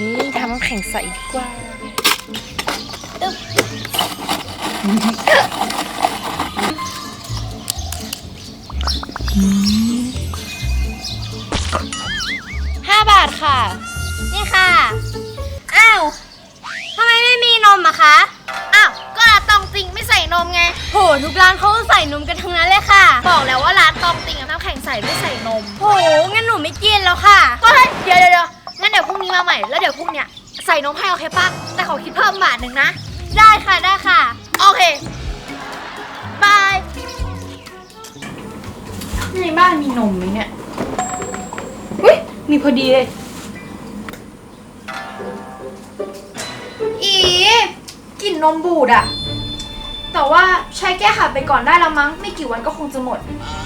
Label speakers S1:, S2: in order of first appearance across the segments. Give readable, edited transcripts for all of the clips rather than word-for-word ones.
S1: นี่ทำน้ำแข็งใสดีกว่า5 บาทค่ะ
S2: นี่ค่ะอ้าวทำไมไม่มีนมอะคะอ้าวก็ร้านตองติงไม่ใส่นมไงโหทุกร้านเขาใส่นมกันทั้งนั้นเลยค่ะบอกแล้วว่าร้านตองติงกับน้ำแข็งใสไม่ใส่นมโหงั้นหนูไม่กินแล้วค่ะก็เดี๋ยวงั้นเดี๋ยวพรุ่งนี้มาใหม่แล้วเดี๋ยวพรุ่งเนี้ยใส่นมให้โอเคป่ะแต่ขอคิดเพิ่ม1 บาทนะได้ค่ะโอเคบาย
S1: ในบ้านมีนมไหมเนี่ยอุ้ยมีพอดีเลยกลิ่นนมบูดอะแต่ว่าใช้แก้ขัดไปก่อนได้แล้วมั้งไม่กี่วันก็คงจะหมด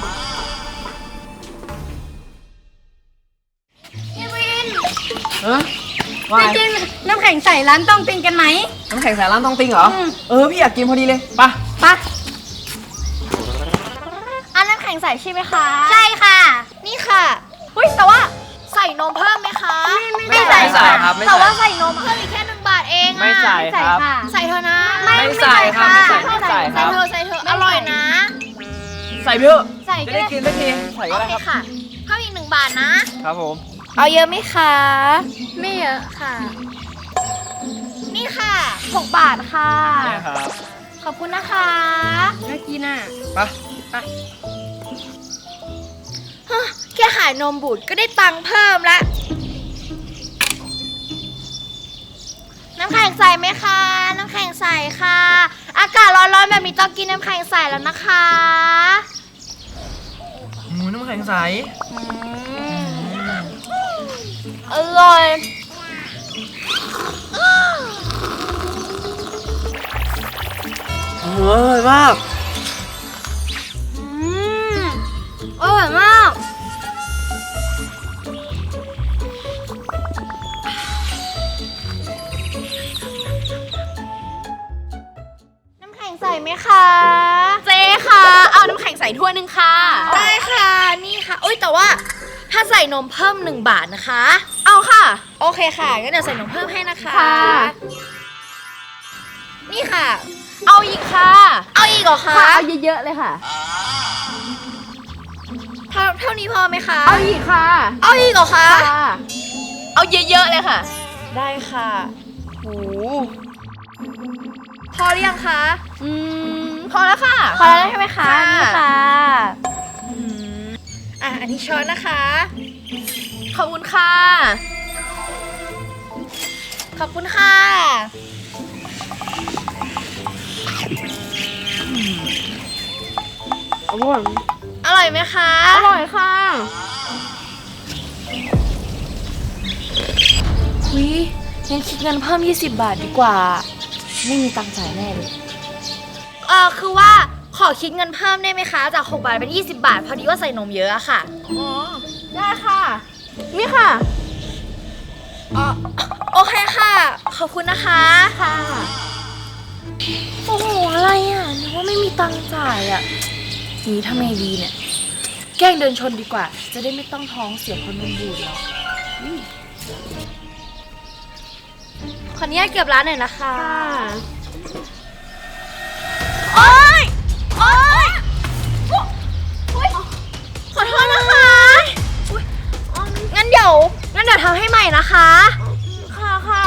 S2: พี่วิน
S3: ว่า
S2: ไปกินน้ำแข็งใส่ร้านต้องติงกันไหม
S3: น้ำแข็งใส่ร้านต้องติงเหรอพี่อยากกินพอดีเลยไป
S2: อันน้ำแข็งใส่ใช่ไหมคะใช่ค่ะนี่ค่ะเฮ้ยแต่ว่าใส่นมเพิ่มไหมคะ
S3: ไม่ใส่ครับ
S2: แต่ว่าใส่นมเพิ่มอีกแค่1 บาทเอง
S3: ไม่ใส่ครับ
S2: ใส่เธอนะ
S3: ไม่ใส่ครับไม่ใส่ครับ
S2: ใส่เธออร่อยนะ
S3: ใส่เพื่อ
S2: ใส่
S3: จะได้กินสักทีใส่ก็ได้ครับ
S2: ค่ะเพิ่มอีก1 บาทนะครับ
S3: ผม
S1: เอาเยอะไหมคะ
S2: ไม่เยอะค่ะนี่ค่ะ6 บาทค่ะ
S3: นี่ครับ
S2: ขอบคุณนะคะ
S1: น่ากินอ่ะ
S3: ไป
S2: แค่ขายนมบูดก็ได้ตังค์เพิ่มละน้ำแข็งใสไหมคะน้ำแข็งใสค่ะอากาศร้อนๆแบบนี้ต้องกินน้ำแข็งใสแล้วนะคะ
S3: น้ำแข็งใส
S2: อร่อย
S3: อร่อยมาก
S2: อร่อยมากน้ำแข็งใสไหมคะ
S1: เจ๊ค่ะเอาน้ำแข็งใสถ้วยนึงค่ะ
S2: ได้ค่ะนี่ค่ะอุ้ยแต่ว่าถ้าใส่นมเพิ่ม1 บาทนะคะ
S1: เอาค่ะ
S2: โอเคค่ะงั้นเดี๋ยวใส่นมเพิ่มให้นะคะนี่ค่ะ
S1: เอาอีกค่ะ
S2: เอาอีกเหรอคะ
S1: เอาเยอะๆเลยค่ะ
S2: เท่านี้พอไหมคะ
S1: เอาอีกค่ะ
S2: เอาอีกเหรอคะ
S1: เอาเยอะๆเลยค่ะ
S2: ได้ค่ะโหพอหรือยังคะ
S1: พอแล้วค่ะ
S2: พอแล้วใช่ไหมคะนี่ค่ะอันนี้ช้อนนะคะ
S1: ขอบคุณค่ะ
S2: ขอบคุณค่ะ
S1: อร่อย
S2: อร่อยไหมคะ
S1: อร่อยค่ะ
S2: งั้นคิดเงินเพิ่ม20 บาทดีกว่าไม่มีตังค์จ่ายแน่เลยคือว่าขอคิดเงินเพิ่มได้ไหมคะจาก6 บาทเป็น20 บาทพอดีว่าใส่นมเยอะอะค่ะ
S1: ได้ค่ะนี่ค่ะ
S2: โอเคค่ะขอบคุณนะคะ
S1: ค่ะ
S2: โอ้โหอะไรอ่ะนึกว่าไม่มีตังค์จ่ายอ่ะนี้ทำไงดีเนี่ยแกล้งเดินชนดีกว่าจะได้ไม่ต้องท้องเสียเพราะนมบูดแล้วขออนุญาตเก็บร้านหน่อยนะคะโอ๊ยขอโทษนะคะงั้นเดี๋ยวทำให้ใหม่นะคะ
S1: ค่ะ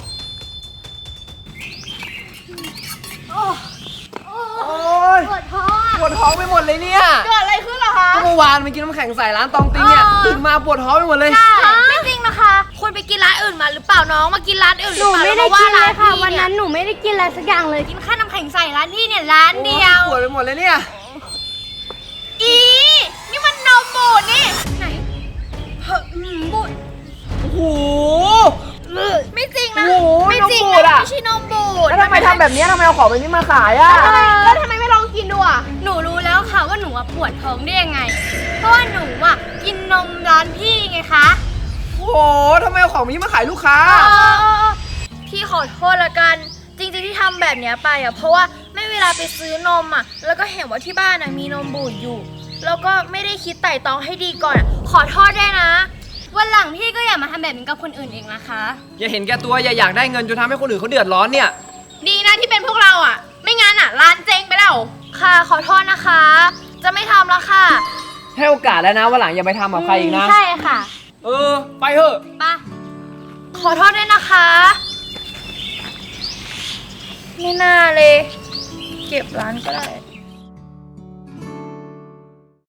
S3: โอ้ยปวดท้องไปหมดเลยเนี่ย
S2: เกิดอะไรขึ้นเหรอคะ
S3: ก็เมื่อวานไปกินน้ำแข็งใส่ร้านตองติงเนี่ยตื่นมาปวดท้องไปหมดเลย
S2: ไม่จริงนะคะคุณไปกินร้านอื่นมาหรือเปล่าน้องมากินร้านอื่นหรือเปล่า
S1: หนูไม่ได้กินเลยค่ะวันนั้นหนูไม่ได้กินอะไรสักอย่างเลย
S2: กินแค่น้ำแข็งใส่ร้านพี่เนี่ยร้านเดียว
S3: ปวดไปหมดเลยเนี่ย
S2: นี่มันนมบูดนี่ไหนบูด
S3: โอ้โห
S2: ไม่จริงนะ
S3: ไม่จริง
S2: นะไม่ใช่นมบูด
S3: แล้วทำไมทำแบบนี้ทำไมเอาของแบบนี้มาขายอ่ะ
S1: แล้วทำไมไม่ลองกินดูอ่ะ
S2: หนูรู้แล้วค่ะว่าหนูปวดท้องได้ยังไงเพราะว่าหนูกินนมร้านพี่ไงคะ
S3: โอ้โหทำไมเอาของแบบนี้มาขายลูกค้า
S2: พี่ขอโทษละกันจริงๆที่ทำแบบนี้ไปเพราะว่าไม่เวลาไปซื้อนมแล้วก็เห็นว่าที่บ้านมีนมบูดอยู่แล้วก็ไม่ได้คิดไต่ตองให้ดีก่อนขอโทษได้นะวันหลังพี่ก็อย่ามาทำแบบนี้กับคนอื่นเองนะคะ
S3: อย่าเห็นแก่ตัวอย่าอยากได้เงินจนทำให้คนอื่นเขาเดือดร้อนเนี่ย
S4: ดีนะที่เป็นพวกเราอ่ะ ไม่งั้นอ่ะร้านเจ๊งไปแล้ว
S2: ค่ะขอโทษนะคะ จะไม่ทำแล้วค่ะ
S3: ให้โอกาสแล้วนะวันหลังอย่าไปทำกับใครอีกนะ
S2: ใช่ค่ะ
S3: ไปเถอะ
S2: ไปขอโทษด้วยนะคะ ไม่น่าเลย เก็บร้านก็ได้